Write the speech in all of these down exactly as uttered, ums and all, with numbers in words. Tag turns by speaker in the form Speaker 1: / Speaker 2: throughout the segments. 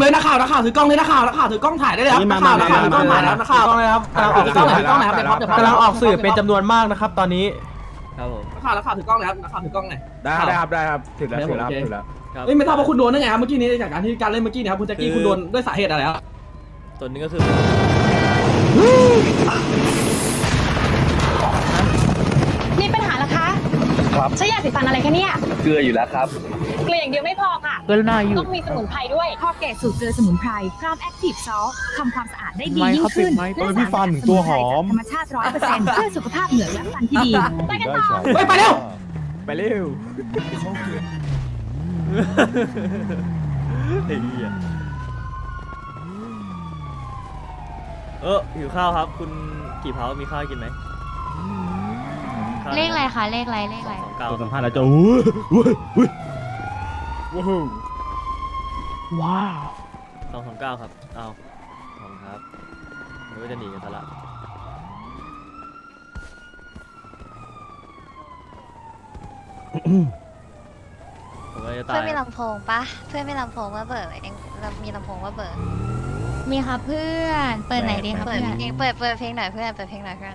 Speaker 1: เลยนักข่าวนักข่าวถือกล้องเลยนักข่าวนักข่าวถือกล้องถ่ายได้เลยครับนักข่าวนักข่าวถือกล้องถ่ายแล้วนักข่าว
Speaker 2: กล้องเลยครับกำลังออก
Speaker 1: ถือกล้องถือกล้องไหนครับเดี๋ยวพับเดี๋ยวพับ
Speaker 2: กำลังออกสื่อเป็นจำนวนมากนะครับตอนนี้
Speaker 3: ครับผม
Speaker 1: นักข่าวนักข่าวถือกล้องเลยครับนักข่าวถือกล้องไหน
Speaker 4: ได้ได้ครับได้ครับถือแล้วถือแล้วถือแล้ว
Speaker 3: ครับ
Speaker 1: เอ้ยไม่ทราบว่าคุณโดนได้ไงครับเมื่อกี้นี้จากการที่การเล่นเมื่อกี้เนี่ยครับคุณแจ็คกี้คุณโดนด้วยสาเหตุอะไรครับ
Speaker 3: ส่วนหนึงก็คือ
Speaker 5: มีปัญหาเหรอคะครับใช้ยาสีฟันอะไรคะเนี่ย
Speaker 6: เกลืออยู่แล้วครับ
Speaker 5: เกลืออย่างเดียวไม่พอค่ะ
Speaker 2: เกลือหน้าอยู่
Speaker 5: ต้องมีสมุนไพรด้วย
Speaker 7: คอเกตสูตรเกลือสมุนไพรพร้อมแอคทีฟซอลทำความสะอาดได้ดี
Speaker 2: ไม่
Speaker 7: ยิ่
Speaker 2: ครั
Speaker 7: ง
Speaker 2: บ
Speaker 7: ขึ้น
Speaker 2: ไม่
Speaker 7: และ
Speaker 2: พี่ฟัน
Speaker 7: สาร
Speaker 2: ตัวหอม
Speaker 7: ธรรมชาติร้อยเปอร์เซ็นต์เพื่อสุขภาพเหงือกและฟันที่ดี
Speaker 5: ไปกันต่อ
Speaker 1: เฮ้ยไปเร็ว
Speaker 4: ไปเร็ว
Speaker 3: ไอ้เหี้ยเออหิวข้าวครับ คุณกี่เผามีข้าวให้กินไหมข้าว
Speaker 8: เลขอะไรคะเลขอะไรเลขอะไร
Speaker 3: สองเก้า
Speaker 4: ตัวสัมภาษณ์แล้วจะอุ้ยอุ้ยอุ้ยว้าว
Speaker 2: ว้าว
Speaker 3: สองสองเก้าครับเอาขอบคุณครับเดี๋ยวจะหนีกันซะละผมก็จะตา
Speaker 8: เพื่อย นมีลำโพงปะเพื่อนมีลำโพงว่าเบิร์ดเองมีลำโพงว่าเบิร์ดมีครับเพื่อนเปิดไหนดีครับเพื่อนเองเปิดเปิดเพลงหน่อยเพื่อนเปิดเพลงหน่อยเพื่อน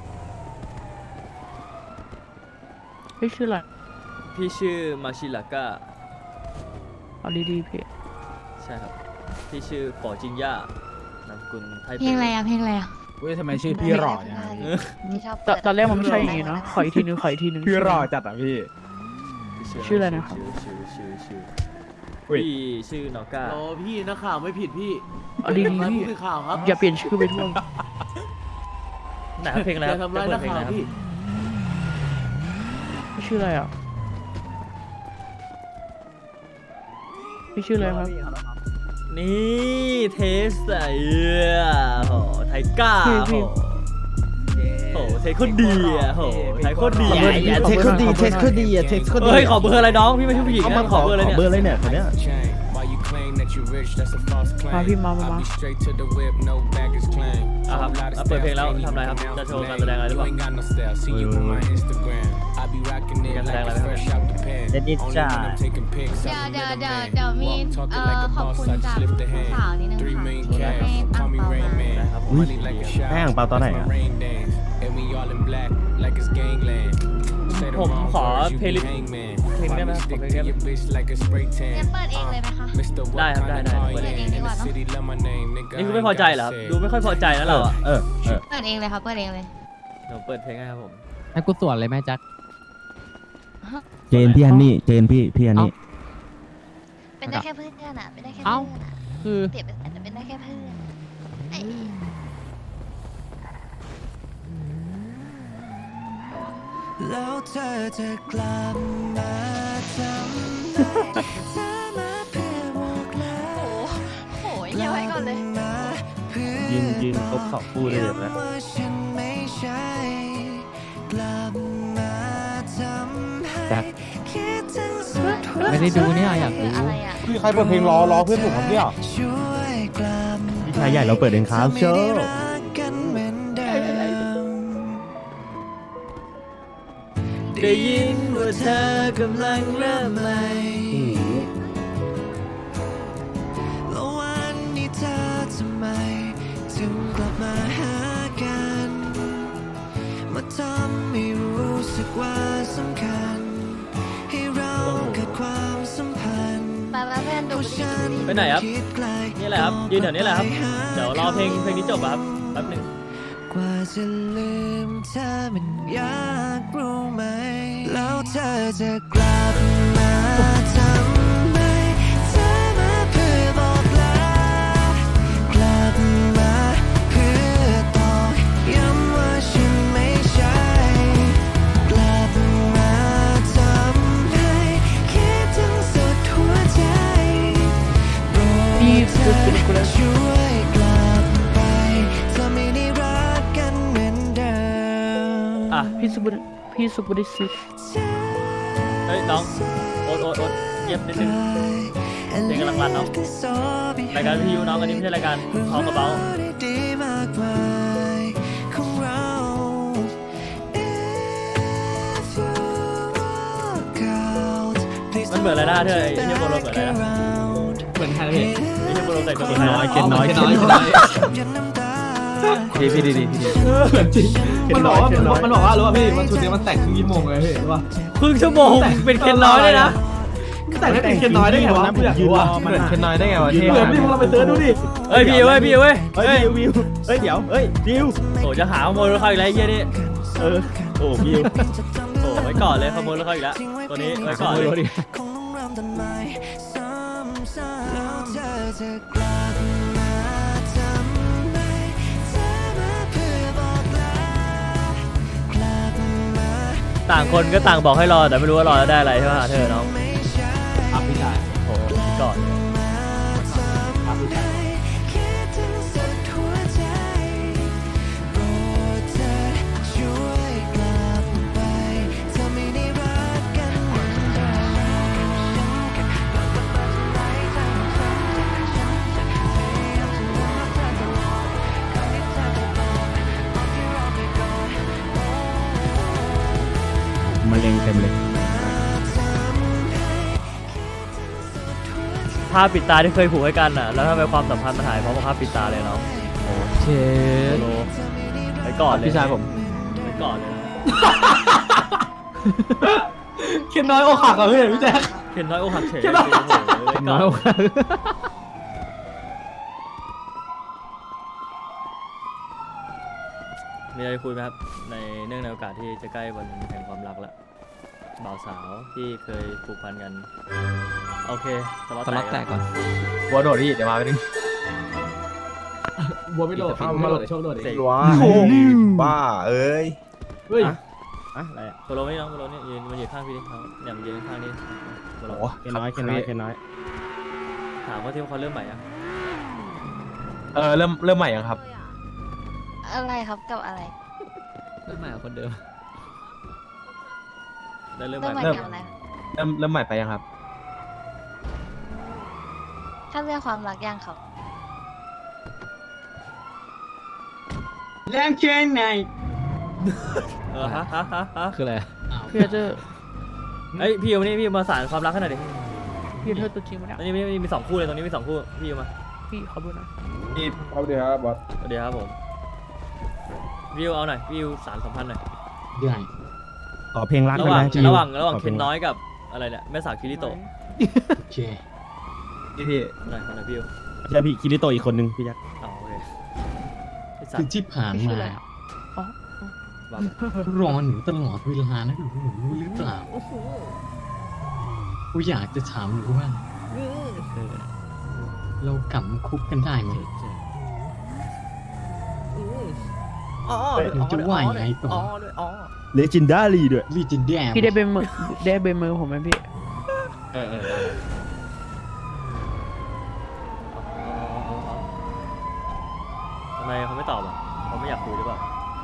Speaker 2: พี่ชื่ออะไร
Speaker 3: พี่ชื่อมาชิลาก้า
Speaker 2: เอาดีๆพี่
Speaker 3: ใช่ครับพี่ชื่อปอจิงย่านามสกุลไทย
Speaker 8: เพลงอะไรอะเพลงอะไรอะ
Speaker 4: เว้ยทำไมชื่อพี่หล่ออย่างนี้
Speaker 8: ที่ชอบ
Speaker 2: ตอนตอนแรกมันไม่ใช่อย่างนี้นะขออีกทีนึงขออีกทีนึง
Speaker 4: พี่หล่อจัดอ่ะพี่
Speaker 2: ชื่ออะไรนะครับ
Speaker 3: ชื่อชื่อชื่อชื่อ
Speaker 4: อุ้ย
Speaker 3: พี่ชื่อนอก้า
Speaker 9: โอ้พี่นักข่าวไม่ผิดพี่
Speaker 2: เอาดีๆ
Speaker 9: มา
Speaker 2: พี่
Speaker 9: ผู้สื่อข่าวครับ
Speaker 2: อย่าเปลี่ยนชื่อไปทั่ว
Speaker 3: ไหนครับเพลงอะไร
Speaker 9: อ
Speaker 3: ครั
Speaker 9: ย่า
Speaker 3: บ
Speaker 9: ทำร้าย
Speaker 3: จะ
Speaker 9: นัก
Speaker 3: เปิดเพลง
Speaker 9: ข่า
Speaker 3: อะไรครับ
Speaker 9: วพี่
Speaker 2: พี่ชื่ออะไรอ่ะพี่ชื่ออะไรครับ
Speaker 3: นี่เทสไอ้โหไทก้า
Speaker 2: พี่
Speaker 3: โห
Speaker 2: พี่
Speaker 3: โหเทคโคตรดีอ่ะโหไทยโคตรดี
Speaker 2: ขอเบอร์
Speaker 4: อย่าเทคคนดีเทคคนดีอย่าเทคคนดี
Speaker 3: เฮ้ยขอเบอร์อะไรน้องพี่ไม่ใช่ผู้หญิงนะขอเบอร์อะไรเนี่ย
Speaker 4: เบอร์อะไรเนี่ยคนเนี้ย
Speaker 2: มาพี่มามามา
Speaker 3: อ่ะครับแล้วเปิดเพลงแล้วทำอะไรครับจะโชว์การแสดงอะไรหรือเปล่ามีการแสดงอะไรไหมครับ
Speaker 4: เด็ดดิจ้า
Speaker 8: เดี๋ยวเดี๋ยวเดี๋ยวเดี๋ยวมีเอ่อขอบคุณจากสาวนิดนึงค่ะให้อังเปามา
Speaker 3: นะครับผม
Speaker 4: อุ้ยแห้งเปล่าตอนไหนอ่ะ
Speaker 3: ผมขอเพลย์ลิสต์เพลงได้ไหมครับขอเพลงได้ไหม
Speaker 8: งั้นเปิดเองเลยไหมคะ
Speaker 3: ได้ครับได้ได้
Speaker 8: เปิดเองดีกว่าเนาะ
Speaker 3: นี่คือไม่พอใจเหรอครับดูไม่ค่อยพอใจแล้วเราอ่ะ
Speaker 4: เออเออ
Speaker 8: เปิดเองเลยครับเปิดเองเลย
Speaker 3: เดี๋ยวเปิดเพลงให้ครับผม
Speaker 10: ให้กูสวนเลยไหมแจ็ค
Speaker 4: เจนพี่ฮันนี่เจนพี่พี่ฮันนี่
Speaker 8: เป็นได้แค่เพื่อนอะเป็นได้แค่
Speaker 10: เอ้า
Speaker 8: เพื่อนอะ
Speaker 10: คือ
Speaker 8: เปรียบเป็นอาจจะเป็นได้แค่เพื่อนเอ้ย
Speaker 9: แล้วเธอจะกลับมาจำได้เธอมาเพื่อบอกลา
Speaker 8: โอ้โหเยี่ยมไว้ก่อนเลย
Speaker 9: มาเพื่อ
Speaker 4: ยืนยืนครบสองคู่เลยเดี๋ยวนะ
Speaker 9: ย้ำว่าฉันไม่ใช่กลับมาทำให้คิดถึงสุดหัว
Speaker 10: ไม่ได้ดูเนี่ยอยากดู
Speaker 8: คืออะไรอะ
Speaker 4: พี่ใครเปิดเพลงรอรอเพื่อนผมครับเนี่ย
Speaker 9: ช่วยกลับ
Speaker 4: พี่ชายใหญ่เราเปิดเองครับโช
Speaker 9: จะไม่
Speaker 4: ว์
Speaker 9: ได้รักกันเหมือนเดิม ได้ยินว่าเธอกำลังเริ่มใหม่แล้ววันนี้เธอทำไมถึงกลับมาหากันมาทำให้รู้สึกว่าสำคัญให้เราเกิดความสัมพันธ์
Speaker 8: มามาเพื่อนดู
Speaker 9: เพราะฉัน
Speaker 3: ไปไหนครับ
Speaker 9: คิดไกล
Speaker 3: นี่แหละครับยืนแถวนี้แหละครับเดี๋ยวรอเพลงเพลงนี้จบอะครับแป๊บหนึง
Speaker 9: กว่าจะลืมเธอมันยากรู้ไหมแล้วเธอจะกลับมาทำไมเธอมาเพื่อบอกลากลับมาเพื่อตอกย้ำว่าฉันไม่ใช่กลับมาทำให้คิดถึงสุดหัวใจโปรดเธอช่วยกลับไปเธอไม่ได้รักกันเหมือนเดิม
Speaker 3: อ่ะ
Speaker 2: พี่สุบุรพี่สุบุริสิ
Speaker 3: เฮ้ยน้องโอ๊ตโอ๊ตโอ๊ตเงียบนิดนึงเพลงกำลังรันเนาะรายการวิทยุน้องอันนี้ไม่ใช่รายการเขากระเป๋ามันเหมือนอะไรนะเธอไอ้ที่โบโลเหมือนอะไรนะ
Speaker 1: เหมือนไฮรนะพี่
Speaker 3: ไม่ใช่โปรแต่งตัว
Speaker 1: เคน
Speaker 3: ใคร
Speaker 1: น้อย
Speaker 3: นะ
Speaker 1: เคนน้อยเคนน้อยเคนน้อย
Speaker 4: พี่พี่ดีดีพี่ดี
Speaker 1: เหมือนจริงมันบอกว่ามันบอกว่ารู้ป่ะพี่มันชุดนี้มันแต่งครึ่งชั่วโมงเลยพี่รู้ป่ะ
Speaker 3: ครึ่งชั่วโมงเป็นเคนน้อยเลยนะ
Speaker 1: แต่งให้เป็นเคนน้อยได้ไงวะพี่อยากรู้อ่ะ
Speaker 4: เหมือนเคนน้อยได้ไงวะ
Speaker 1: เหมือนพี่พวกเราไปเสิร์ชดูดิ
Speaker 3: เฮ้ยพี่เว้ยพี่เว้ย
Speaker 4: เฮ้ยวิวเฮ้ยเดี๋ยวเฮ้ยวิว
Speaker 3: โอ้จะหาขโมยรถเขาอีกแล้วไอ้เหี้ยนี่
Speaker 4: เออโอ้วิว
Speaker 3: โอ้ไว้ก่อนเลยขโมยรถเขาอีกแล้วตัวนี้ไว้ก่อนเลย
Speaker 9: คงต้องเริ่มต้นใหม่ซ้ำๆแล้วเธอจะกลับมาทำไมเธอมาเพื่อบอกลากลับมา
Speaker 3: ต่างคนก็ต่างบอกให้รอแต่ไม่รู้ว่ารอแล้วได้อะไรใช่ไหมเธอน้อง
Speaker 9: ไม่ใช่
Speaker 1: ครับพี่ชาย
Speaker 3: โอ้ก่อน
Speaker 1: ครับพี่ชาย
Speaker 9: คิดถึงสุดหัวใจโปรดเธอช่วยกลับไปเธอไม่ได้รักกันเหมือนเดิม
Speaker 4: มะเร็งเต็มเลย
Speaker 3: ภาพปิดตาที่เคยผูกให้กันอ่ะแล้วทำไมความสัมพันธ์มันหายเพราะว่าภาพปิดตาเลยน้อง
Speaker 10: เช
Speaker 3: โลไว้ก่อนเลย
Speaker 4: พี่ชายผม
Speaker 3: ไว้ก่อนเลยนะ
Speaker 1: เคนน้อยอกหักอ่ะพี่พี่แจ๊ค
Speaker 3: เคนน้อยอกหักเฉย
Speaker 1: เคนน้อย
Speaker 3: โอ้โหไว้ก่อนมีอะไรคุยไหมครับในเนื่องในโอกาสที่จะใกล้วันแห่งความรักแล้วบ่าวสาวที่เคยผูกพันกันโอเคสล็อต
Speaker 10: สล็อตแตกก่อน
Speaker 4: วัวโดดพี่เดี๋ยวมาไปนึง
Speaker 1: บัวไม่โดดไม่โดดเดี๋ยวโชคโดดเอง
Speaker 6: ว้าบ้าเอ้ย
Speaker 1: เฮ้ย
Speaker 3: อะอะไรอะโปรโลนี่น้องโปรโลนี่ยืนมายืนข้างพี่ดิเขาเนี่ยมายืนข้างนี่โปรโล
Speaker 4: เคนน้อยเคนน้อยเคนน้อย
Speaker 3: ถามว่าที่เขาเริ่มใหม่ยัง
Speaker 4: เออเริ่มเริ่มใหม่ยังครับ
Speaker 8: อะไรครับกับอะไร
Speaker 10: เริ่มใหม่กับคนเดิม
Speaker 3: ได้เริ่มให
Speaker 8: เริ่
Speaker 3: ม่
Speaker 8: มใหม่
Speaker 3: ไหม
Speaker 8: กับอะไร
Speaker 4: เริ่มเริ่มใหม่ไปยังครับ
Speaker 8: ถ้าเรื่องความรักยังครับ
Speaker 1: แรงแค่ไหน
Speaker 3: เออฮะฮะฮะฮะ
Speaker 10: คืออะไร
Speaker 2: พี่เจอ
Speaker 3: เอ้ยพี่เอามานี่พี่มาสานความรักขนาดดิ
Speaker 2: พี่เธอตัวจริงปะเนี่ย
Speaker 3: อันนี้มีมีมีสองคู่เลยตรงนี้มีสองคู่พี่เอามา
Speaker 2: พี่เขาดูหนะ
Speaker 6: เอาเดี๋ยวครับบอส
Speaker 3: เดี๋ยวครับผมวิวเอาหน่อยวิวสารสัมพันธ์หน่อย
Speaker 10: ได้
Speaker 4: ขอเพลงรัก
Speaker 3: ระ
Speaker 4: ได้
Speaker 3: ห
Speaker 4: ไห
Speaker 3: ว่าง
Speaker 4: มพี่
Speaker 3: ระหว่างระหว่าง
Speaker 4: ขอ
Speaker 3: เคนน้อยกับอะไรเนี่ยแม่สาวคิริโตะ
Speaker 10: โอเค
Speaker 4: พี่พี่
Speaker 3: หน่อยหน่อยวิว
Speaker 4: ใช่พี่คิริโตะอีกคนนึงพี่ยักษ์
Speaker 3: อ๋อโอเคไอ้สั
Speaker 10: คื
Speaker 3: ต
Speaker 10: อ
Speaker 3: ว์
Speaker 10: ที่ผ่าน
Speaker 2: พี่ชื่อ
Speaker 10: มา
Speaker 2: อะไรอะอ๋อ
Speaker 3: ว่าไป
Speaker 10: รอหนูตลอดเวลานะหนูหนูรู้หรือเปล่ากูอยากจะถามหนูว่า
Speaker 3: เออ
Speaker 10: เรากลับมาคุกกันได้ไหม
Speaker 3: อ๋อ
Speaker 10: หนูจะว่ายังไงต่อ
Speaker 3: อ๋อด้วยอ๋อ
Speaker 4: เลจินดารีด้วย
Speaker 10: ลีจินแดม
Speaker 2: พี่ได้เป็นมือได้เป็นมือผมไหมพี่
Speaker 4: เออเออ
Speaker 3: ทำไมเขาไม่ตอบอ่ะเขาไม่อยากคุยหรือเปล่า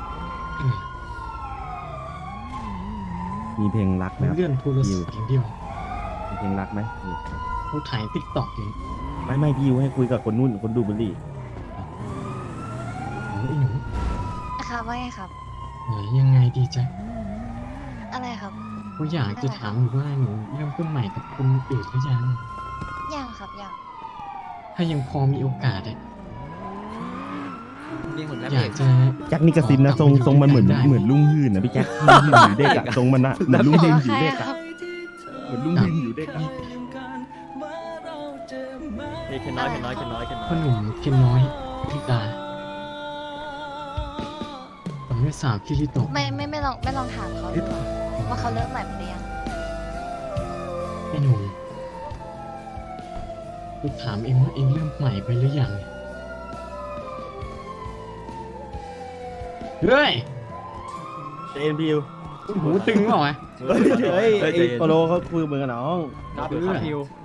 Speaker 4: มีเพลงรักไหมครับ
Speaker 10: เลื่อนโทรศัพท์อย่างเดียว
Speaker 4: มีเพลงรักไหมพี่
Speaker 10: เขาถ่ายติ๊กต็อกอยู่
Speaker 4: ไม่ไม่พี่ยูให้คุยกับคนนู่นคนดูบุหรี่
Speaker 10: โอ้ยหนู
Speaker 8: ครับว่าไงครับ
Speaker 10: ไหนยังไงดีจ๊ะ
Speaker 8: อะไรครับ
Speaker 10: กูอยากจะถามหนูว่าหนูเริ่มต้นใหม่กับคนอื่นหรือยัง
Speaker 8: ยังครับยัง
Speaker 10: ถ้ายังพอมีโอกาสอะ
Speaker 2: เรียกเหมือน
Speaker 10: อยากจะ
Speaker 4: แจ็คนี่กระซินนะทรงทรงมันเหมือนเหมือนลุงหื่นนะพี่แจ็คลุงหื่นอยู่เด็กอะทรงมันอะเหมือนลุงหื่นอยู่เด็ก
Speaker 8: ค
Speaker 4: อะ
Speaker 8: รับ
Speaker 4: เหมือนลุงหื่นอยู่เด็กอะ
Speaker 3: นี่เคนน้อยเคนน้อยเคนน้อยเคนน้อ
Speaker 10: พ่อย หนุ่มเคนน้อยพิตาผมไม่สาวคิริโตะ
Speaker 8: ไม่ไม่ไม่ลองไม่ลองถามเขาดูว่าเขาเริ่มใหม่หรือยัง
Speaker 10: ไอ้หนุ่มกูถามเองว่าเองเริ่มใหม่ไปหรือยังเฮ้ย
Speaker 4: เจนพี่ยู
Speaker 10: หูตึงเปล่าวะ
Speaker 4: เฮ้ยเฮ้ยไอ้โปโลเขาคุยเหมือนกับน้อง
Speaker 3: ครับ
Speaker 10: เพื่อน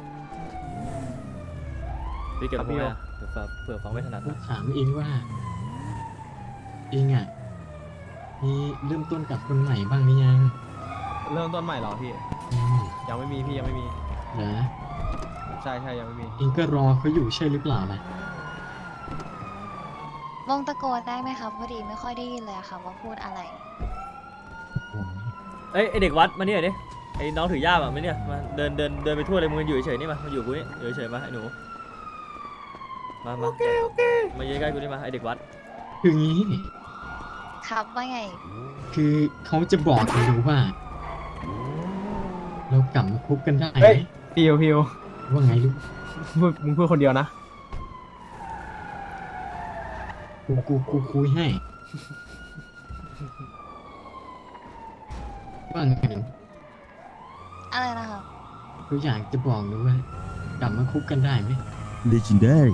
Speaker 3: พี่เก็บผมไว้อะเผื่อฟังเผื่อฟังไม่ถนัด
Speaker 10: กู
Speaker 3: นะ
Speaker 10: ถามเองว่า เองอ่ะมีเริ่มต้นกับคนใหม่บ้างหรือยัง
Speaker 4: เริ่มต้นใหม่เหรอพี่
Speaker 10: อืม
Speaker 4: ยังไม่มีพี่ยังไม่มี
Speaker 10: เหรอ
Speaker 4: ใช่ใช่ยังไม่มี
Speaker 10: เองก็รอเขาอยู่ใช่หรือเปล่าล่ะ
Speaker 8: วงตะโกนได้ไหมครับพอดีไม่ค่อยได้ยินเลยอะค่ะว่าพูดอะไร
Speaker 10: โอ้ย
Speaker 3: เอ้ยไอเด็กวัดมาเนี่ยดิไอ้น้องถือย่ามอ่ะมาเนี่ยมาเดินเดินเดินไปทั่วเลยมึงอยู่เฉยๆนี่มามาอยู่กูนี่อยู่เฉยๆมาไอ้หนูมามาโอเคโอเคมาเยืนใกล้กูนี่มาไอเด็กวัด
Speaker 10: คืองี้
Speaker 8: ครับว่าไง
Speaker 10: คือเขาจะบอกกันดูว่า เรากลับมาคบกันได้ไห
Speaker 1: เฮ้ย
Speaker 10: ม
Speaker 1: พิวพิว
Speaker 10: ว่าไงลูก
Speaker 1: พูดมึงพูดคนเดียวนะ
Speaker 10: กูกูกูคุยให้ ว่าไง
Speaker 8: อะไรนะคะ
Speaker 10: กูอยากจะบอกดูว่ากลับมาคบกันได้ไหม
Speaker 4: legendary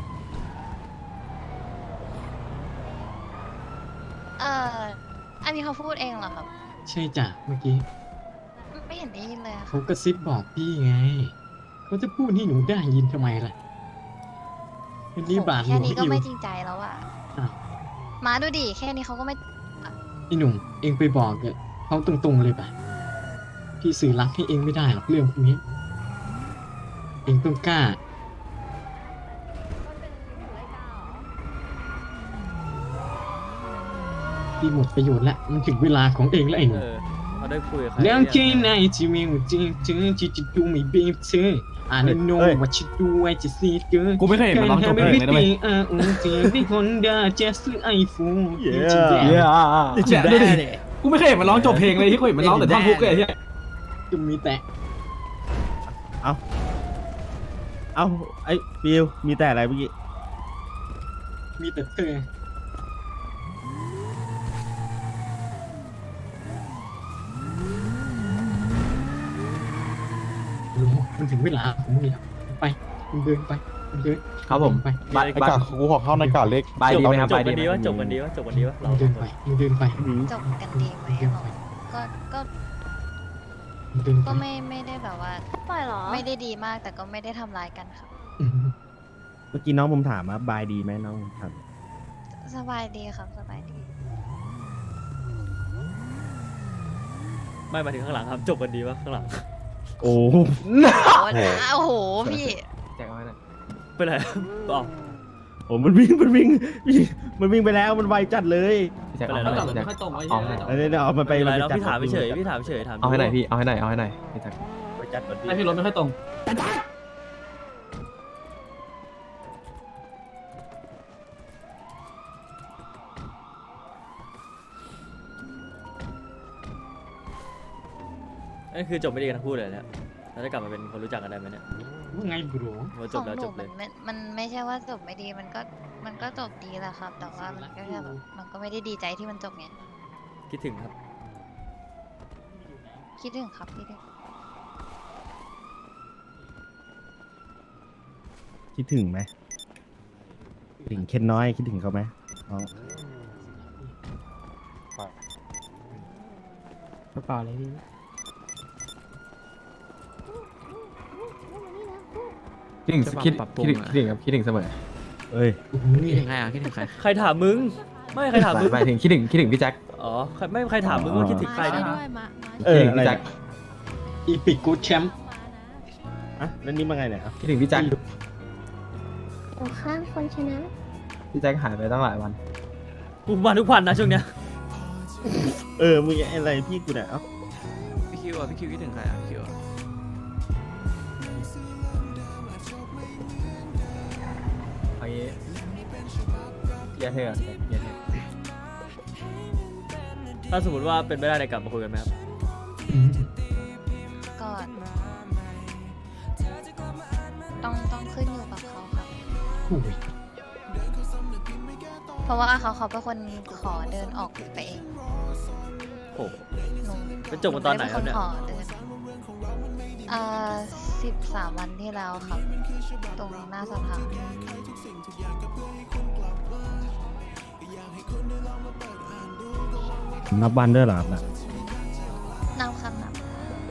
Speaker 8: เอ่ออันนี้เขาพูดเองเหรอครับ
Speaker 10: ใช่จ้ะเมื่อกี้
Speaker 8: ไม่เห็นได้ยินเลยอะค่ะ
Speaker 10: เขากระซิบบอกพี่ไง เขาจะพูดให้หนูได้ยินทำไมล่ะเป็นนี่บาทหล
Speaker 8: แค่
Speaker 10: วง
Speaker 8: นี้ก็
Speaker 10: อิว
Speaker 8: ไม่จริงใจแล้วอะ
Speaker 10: อ้าว
Speaker 8: มาดูดิแค่นี้เขาก็ไม่
Speaker 10: ไอ้หนุ่มเองไปบอกกับเขาตรงๆเลยป่ะ พี่สื่อรักให้เองไม่ได้หรอกเรื่องพวกนี้ เองต้องกล้า พี่หมดประโยชน์แล้วมันถึงเวลาของเองแล้วไอ้หนุ่
Speaker 3: เอ
Speaker 10: ม
Speaker 3: อเขาได้คุยกับใคร
Speaker 10: แล้ว
Speaker 3: หรือ
Speaker 10: ที่
Speaker 3: ยัง
Speaker 10: ไหนที่มีหัวใจเธอที่จะดูไม่เบีบเธออ่านโน้
Speaker 4: เฮ้ย
Speaker 10: ว่าฉันดูไว้จะซีเกิน
Speaker 1: กูไม่เคยเห็นมันร้องจบเพลงเลยนะเว้ย
Speaker 10: อ่าอุ้งเจนี่คนเดาจะซื้อไอโฟน
Speaker 4: เย้
Speaker 1: เย้เนี่ยดูดิกูไม่เคยเห็นมันร้องจบเพลงเลยที่กูเห็นมันร้องแต่ท่อนฮุกเลยไอ้เหี้ย
Speaker 10: จะมีแต่
Speaker 4: เอาเอาไอ้ฟิวมีแต่อะไรเมื่อกี้
Speaker 10: มีแต่เธอรู้มันถึงเวลาของมึงแล้วไปมึงเดินไปมึงเดิน
Speaker 1: ครับผม
Speaker 10: ไป
Speaker 1: บายบาย
Speaker 6: กูขอเข้าในกาเล็ก
Speaker 1: บายดีไหมครับ
Speaker 3: จ
Speaker 1: บา
Speaker 3: บ
Speaker 1: ย
Speaker 3: กั
Speaker 1: ดี
Speaker 3: น
Speaker 1: ไหม
Speaker 3: ดีวะจบกันดีวะจบกันดีวะ
Speaker 10: มึ
Speaker 3: เรา
Speaker 10: งเดินไปมึงเดินไป
Speaker 8: จบกันดีไหมหรอก็ก็
Speaker 10: มึงเดินไป
Speaker 8: ก็ไม่ไม่ได้แบบว่า
Speaker 5: ปล่อยเหรอ
Speaker 8: ไม่ได้ดีมากแต่ก็ไม่ได้ทำร้ายกันครับ
Speaker 10: อืม
Speaker 4: เมื่อกี้น้องผมถามว่าบายดีไหมน้องผมถาม
Speaker 8: สบายดีครับสบายดี
Speaker 3: ไม่มาถึงข้างหลังครับจบกันดีวะข้างหลัง
Speaker 4: โอ้
Speaker 8: โอ้โหพี่
Speaker 1: แจกเอาไว้หน่อย
Speaker 3: เป็นไรต่อ
Speaker 4: โหมันวิ่งมันวิ่งวิ่งมันวิ่งไปแล้วมันไวจัดเลย
Speaker 1: แจกเอาให้หน่อยแจกเอาให้หน่อย
Speaker 4: เดี๋ยวเดี๋ยวเอามันไป
Speaker 3: เป็นไร
Speaker 4: มัน
Speaker 3: เรา
Speaker 4: ไปจัด
Speaker 3: พี่ถามเฉยพี่ถามเฉยถาม
Speaker 1: เอาให้หน่อยพี่เอาให้หน่อยเอาให้หน่อยพี่แจก
Speaker 4: ไปจัดก่อนดิ
Speaker 1: ให้พี่รถไม่ค่อยตรง
Speaker 3: นั่นคือจบไม่ดีกันทั้งคู่เลยเนี่ยเราจะกลับมาเป็นคนรู้จักกันได้ไหมเนี่ย
Speaker 10: ว่าไงบรู
Speaker 3: ว่า
Speaker 8: ข
Speaker 3: จ
Speaker 8: อบ ง
Speaker 3: แล้ว
Speaker 8: ห
Speaker 3: จ
Speaker 8: นู
Speaker 3: บเล
Speaker 8: มั
Speaker 3: ย
Speaker 8: นไม่มันไม่ใช่ว่าจบไม่ดีมันก็มันก็จบดีแหละครับ แต่ว่ามันก็แค่แบบมันก็ไม่ได้ดีใจที่มันจบไง
Speaker 3: คิดถึงครับ
Speaker 8: คิดถึงครับคิดถึง
Speaker 4: คิดถึงไหมคิดถึงเคนน้อยคิดถึงเขาไหมน้อง
Speaker 2: กระเป๋าเลยพี่
Speaker 1: คิดถึงคิดคิดถึงคิดถึงครับคิดถึงเสมอ
Speaker 4: เอ้ย
Speaker 2: คิดถึงใครอ่ะคิดถึงใคร
Speaker 3: ใครถามมึง ไม่ใครถามมึง
Speaker 1: หมายถึงคิดถึงคิดถึงพี่แจ็ค
Speaker 3: อ๋อใครไม่ใครถามมึงว่าคิดถึงใครนะ
Speaker 4: เออ
Speaker 1: คิดถึง
Speaker 4: อะไร
Speaker 1: พี่แจ็ค
Speaker 10: อีพิกกูดแชมป์
Speaker 4: อ่ะแล้วนี่มาไงเนี่ย
Speaker 1: คิดถึงพี่แจ็ค
Speaker 5: โอ้ข้างคนชนะ
Speaker 1: พี่แจ็คหายไปตั้งหลายวัน
Speaker 3: กูมาทุกวันนะช่วงเนี้ย
Speaker 4: เออมึงอะไรพี่กูเนี่ยเอ้า
Speaker 2: พี่คิวอ่ะพี่คิวคิดถึงใครอ่ะพี่คิว
Speaker 1: เอางี้เกียร์เธอเกียร์เธอ
Speaker 3: ถ้าสมมติว่าเป็นไม่ได้ในยกลับมาคุยกันไหมครับ
Speaker 8: ก็ต้องต้องขึ้นอยู่กับเขาครับ
Speaker 10: โอ้ย
Speaker 8: เพราะว่าเขาเขาเป็นคนขอเดินออกไปเอง
Speaker 3: โอ้โห
Speaker 8: หนู
Speaker 3: เป็นจบกันตอนไหนครับเนี่ย
Speaker 8: ขอเดินเอ่อสิบสามวันที่แล้วครับ ตรงหน้าสภา
Speaker 4: นับวันด้วยเหรอครับน่ะ
Speaker 8: นับครับนับ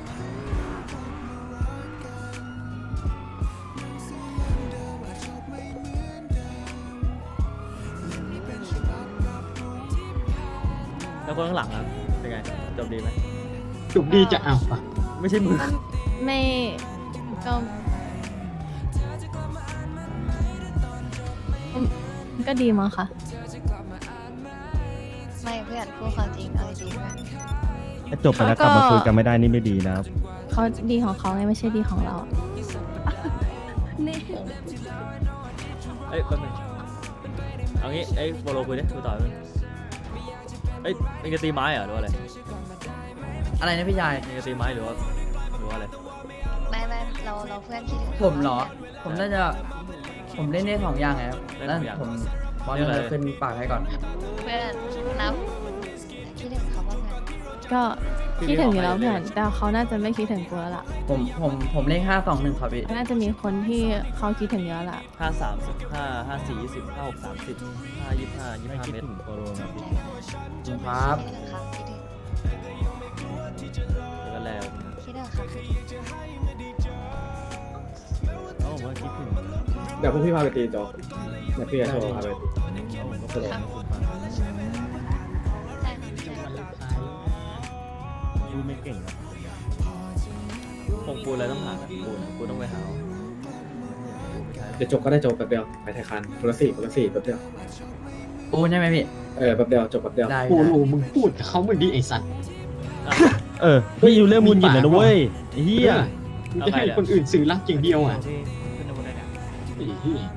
Speaker 3: แล้วคนข้างหลังครับเป็นไงจบดีไหม
Speaker 10: จบดีจะเอาปะ
Speaker 3: ไม่ใช่มึง
Speaker 5: ไม่ก็ก็ดีมั้งค่ะ
Speaker 8: ไม่เพื่อนพูดความจริงเอาจริงๆนะ
Speaker 4: ถ้าจบไปแล้วกลับมาคุยกันไม่ได้นี่ไม่ดีนะครับ
Speaker 5: เขาดีของเขาไงไม่ใช่ดีของเรา นี่
Speaker 3: เอ้ยแป๊บนึงเอางี้ไอ้โบโลคุยดิคุยต่อเลยเอ้ยเอ็งจะตีไม้เหรอหรือว่าอะไร
Speaker 2: อะไรนะพี่ชาย
Speaker 3: เอ็งจะตีไม้หรือว่าหรือว่าอะไร
Speaker 8: ไม่ไม่เราเราเพื่อนคิดถึง
Speaker 2: ผมเหรอ ผมน่าจะผมเล่นได้สองอย่างไงครับแล้วผมบอลจะขึ้นปากให้ก่อน
Speaker 8: เพื่อนนับคิดถึงเขาบ้างไหม
Speaker 5: ก็คิดถึงอยู่แล้วเพื่อนแต่เขาน่าจะไม่คิดถึงกูแล้วล่ะ
Speaker 2: ผมผมผมเลขห้าสองหนึ่งครับพี่
Speaker 5: น่าจะมีคนที่เขาคิดถึงเยอะล่ะ
Speaker 3: ห้าสามสิบห้าห้าสี่ยี่สิบห้าหกสามสิบห้ายี่สิบห้ายี่สิบห้าเมตร
Speaker 2: ครับ
Speaker 8: คิดถึงครับคิดถึง
Speaker 3: แล้วก็แล้ว
Speaker 8: คิดถึงครับคิดถึง
Speaker 3: แล้วผมก็คิดถึง
Speaker 6: เดี๋ยวพวกพี่พาไปตีโจ๊กเดี๋ยวพี่จะโชว์พาไป
Speaker 3: แล้วผมก็ไปลง
Speaker 8: ใช่
Speaker 4: พูดไม่เก่งนะ
Speaker 3: คงปูนอะไรต้องหาปูนปูนต้องไปหา
Speaker 6: เดี๋ยวจบก็ได้จบแป๊บเดียวไปไทยคันคนละสี่คนละสี่แป๊บเดียว
Speaker 2: ปูใช่ไหมพี่
Speaker 6: เออแป๊บเดียวจบแป๊บเดียว
Speaker 2: ได้
Speaker 10: โปโลมึงพูดกับเขาเหมือนดีไอ้สัตว์
Speaker 4: เออพี่อยู่เรื่องมุนหยิบเลยนะเว้ยไอ้เฮีย
Speaker 10: มึงจะให้คนอื่นสื่อรักอย่างเดียวอ่ะไอ้เหี้ย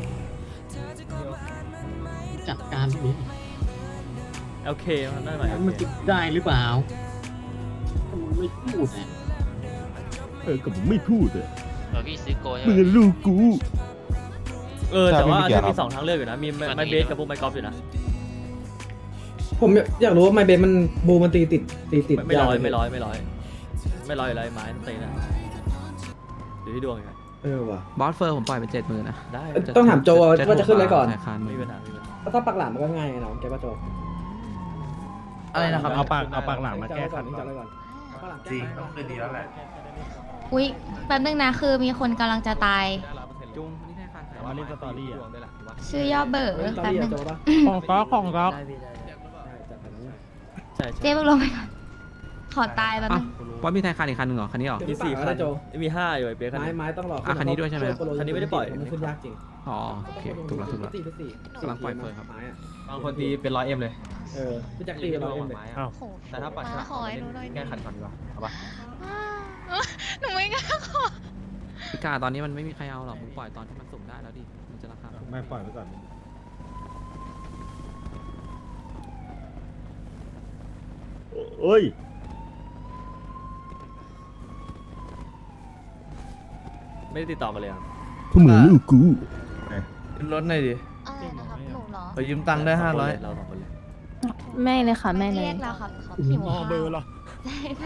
Speaker 10: จัดการนี้
Speaker 3: โอเคมันได้หน่อย
Speaker 10: มันจะได้หรือเปล่าถ้ามึงไม่พูดอ่ะ
Speaker 4: เออกับผมไม่พูดเลย
Speaker 2: เออพี่ซื้อโก
Speaker 4: มึงอะลูกกู
Speaker 3: เออแต่ว่าจะมีสองทางเลือกอยู่นะมีไมเบสกับพวกไมกอล์ฟอยู่นะ
Speaker 6: ผมอยากรู้ว่าไมเบนมันบูมันตีติดตีติด
Speaker 3: ไม่ร้อยไม่ร้อยไม่ร้อยไม่ร้อยอยู่แล้วไอ้ไม้ตีนะอยู่ที่ดวงไง
Speaker 6: เออว่ะ
Speaker 2: บอสเฟอร์ผมปล่อยเป็นเจ็ดหมื่นนะ
Speaker 3: ได้
Speaker 6: ต้องถามโจว่าจะขึ้นอะไรก่อน
Speaker 3: ไม่มีปัญหาไม่มีปัญหา
Speaker 6: ถ้าปักหลามมันก็ง่ายเนาะแกป่ะโจ
Speaker 2: อะไรนะครับ
Speaker 4: เอาปากเอาปากหลังมาแก้ขัด
Speaker 6: จำไว้ก่อนปักหลาม
Speaker 1: จริงต้องคืนดีแล้วแหละ
Speaker 5: อุ๊ยแป๊บนึงนะคือมีคนกำลังจะตาย
Speaker 3: จุงนี่แค่คัน
Speaker 4: มาเล่นสตอรี่อ่ะ
Speaker 5: ชื่อย่อเบอร์
Speaker 6: เฮ้ยตอน
Speaker 5: แป๊บ
Speaker 6: นี้
Speaker 5: นึง
Speaker 6: โจป่ะ
Speaker 4: ของก๊อกของก๊อก
Speaker 2: ได้พี่ได้
Speaker 3: ใช่
Speaker 5: เจ๊
Speaker 3: ใช่
Speaker 5: เพิ่งลงไปก่อนขอตายแป๊บนึง
Speaker 2: ว่ามีไทยคันอีกคันหนึ่งเหรอคันนี้เหรอ
Speaker 3: มีสี่คัน
Speaker 6: โจ
Speaker 3: มีห้าอยู่ไอ้เปียกคัน
Speaker 6: ไม้
Speaker 3: นี้
Speaker 6: ไม้ต้องรอ
Speaker 2: อ่ะคันนี้ด้วยใช่ไหมครับ
Speaker 3: คันนี้ไม่ได้ปล่อย
Speaker 6: มันขึ้นยากจริง
Speaker 2: อ๋อโอเคถูกแล้วถูกแล้ว
Speaker 6: สี่สี่
Speaker 2: กำลังปล่อยเฟิร์นครับ
Speaker 6: ไม้อะ
Speaker 1: บางคนตีเป็นร้อยเอ็มเลย
Speaker 6: เออพี่แจ็คตีเราเองเลย
Speaker 4: อ้าว
Speaker 8: โอ้โห
Speaker 1: แต่ถ้าปัดฉลาม
Speaker 8: ขอให้หนูหน่อย
Speaker 1: แก้ขัดก่อนดีกว่าเอาปะ
Speaker 8: หนูไม่กล้าขอ
Speaker 2: พี่กาตอนนี้มันไม่มีใครเอาหรอกผมปล่อยตอนที่มันสุ่มได้แล้วดิมันจะราคาถูก
Speaker 4: ไม่ปล่อยไว้ก่อนโอ้ย
Speaker 3: ไม่ได้ติดต่อมาเลยอ่ะ
Speaker 4: พวกมึงลูกกู
Speaker 1: ขึ้นรถหน่อยดิ
Speaker 8: อะไรนะครับหนูเหรอ
Speaker 1: ไปยืมตังค์ได้ห้าร้อย
Speaker 3: เราสองคนเลย
Speaker 5: ไม่เลยค่ะไม่เลย
Speaker 8: เรียกเราครับเขาหิวข้าว
Speaker 4: เบอร์เหรอ
Speaker 8: ใช่ใช่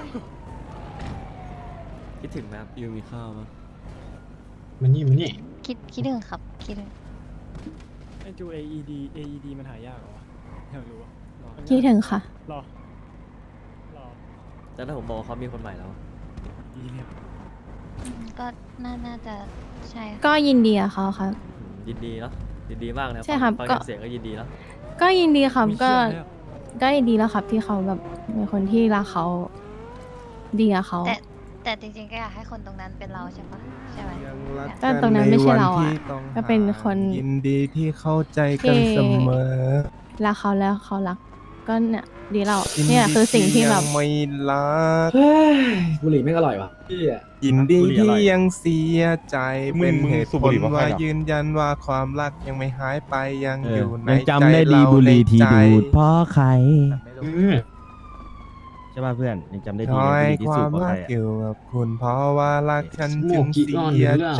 Speaker 3: คิดถึงไหมครับยูมีข้าวมั้ย
Speaker 10: มันนี่มันนี่
Speaker 8: คิดคิดถึงครับคิดถึง
Speaker 3: ไอจู เอ อี ดี เอ อี ดี มันหายากเหรอวะอยากรู้
Speaker 5: คิดถึงค่ะ
Speaker 3: รอรอแต่ถ้าผมบอกว่าเขามีคนใหม่แล้ว
Speaker 8: อืมก็น่าน่าจะใช่ค่ะ
Speaker 5: ก็ยินดีกับเขาครับ
Speaker 3: ยินดีเนาะยินดีมากนะ
Speaker 5: ใช่ครับ
Speaker 3: ฟัง
Speaker 5: ก็
Speaker 3: จากเสียงก็ยินดีเนาะ
Speaker 5: ก็ยินดีครับก็ก็ยินดีแล้วครับที่เขาแบบมีคนที่รักเขาดีกับเขา
Speaker 8: แต่แต่จริงๆก็อยากให้คนตรงนั้นเป็นเราใช่ปะใช่ไหม
Speaker 5: ก็ตรงนั้นไม่ใช่เราอ่ะก็เป็นคน
Speaker 4: ยินดีที่เข้าใจกันเสมอ
Speaker 5: รักเขาแล้วเขารักก็เนี่ยดีแล้วเนี่ยคือสิ่งที่แบบ
Speaker 4: ไม่รัก
Speaker 6: เฮ้ยบุหรี่ไม่งอร่อยว่ะพี่อะ
Speaker 4: ยินดีที่ยังเสียใจ
Speaker 6: มึง
Speaker 4: เป็น
Speaker 6: มึง
Speaker 4: เหตุ
Speaker 6: สูบ
Speaker 4: ผ
Speaker 6: บุ
Speaker 4: ล
Speaker 6: หรี่เพราะใคร
Speaker 4: ว่า
Speaker 6: เหรอ
Speaker 4: ยืนยันว่าความรักยังไม่หายไปยังอยู่ใน
Speaker 11: ยัง
Speaker 4: ใจ
Speaker 11: จำได้ดี
Speaker 4: เรา
Speaker 11: บุหรี่ที่
Speaker 4: ในใจ
Speaker 11: ดูดเพราะใคร
Speaker 10: เออ
Speaker 11: ใช่ป่ะเพื่อนยังจำได้ดี
Speaker 4: คอย
Speaker 11: บุหรี่ที่
Speaker 4: ค
Speaker 11: สู
Speaker 4: วา
Speaker 11: บ
Speaker 4: ม
Speaker 11: เพราะ
Speaker 4: รั
Speaker 11: ใคร
Speaker 4: ก
Speaker 11: อะ
Speaker 4: อยู่กับคุณเพราะว่ารักฉัน
Speaker 10: สโม
Speaker 4: จึ
Speaker 10: ก
Speaker 4: ง
Speaker 10: กี่
Speaker 4: เสี
Speaker 10: ก้อน
Speaker 4: ย
Speaker 10: อยู่แล้ว
Speaker 4: ใจ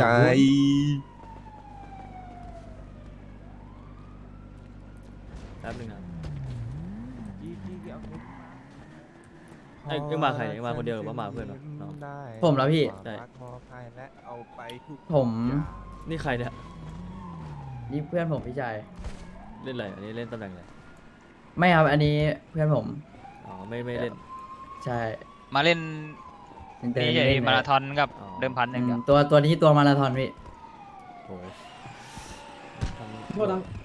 Speaker 3: แป๊บนึงนะไอ้เอ็งมาใครเอ็งมาคนเดียวหรือว่ามาเพื่อนวะน้อง
Speaker 2: ผมแล้วพี่
Speaker 3: ใช่
Speaker 2: ผม
Speaker 3: นี่ใครเนี่ย
Speaker 2: นี่เพื่อนผมพี่ชาย
Speaker 3: เล่นอะไรอันนี้เล่นตำแหน่งอะไร
Speaker 2: ไม่ครับอันนี้เพื่อนผม
Speaker 3: อ๋อไม่ไม่เล่น
Speaker 2: ใช่
Speaker 12: มาเล่น
Speaker 2: เดิน
Speaker 12: นี่
Speaker 2: เล่น
Speaker 12: มาราธอนกับ
Speaker 3: อ๋อ
Speaker 12: เดิมพันหนึ่ง
Speaker 2: อื
Speaker 12: เดี
Speaker 2: ม
Speaker 12: ยว
Speaker 2: ตัวตัวนี้ตัวมาราธอนพี่
Speaker 3: โอ้ย
Speaker 6: โทษนะ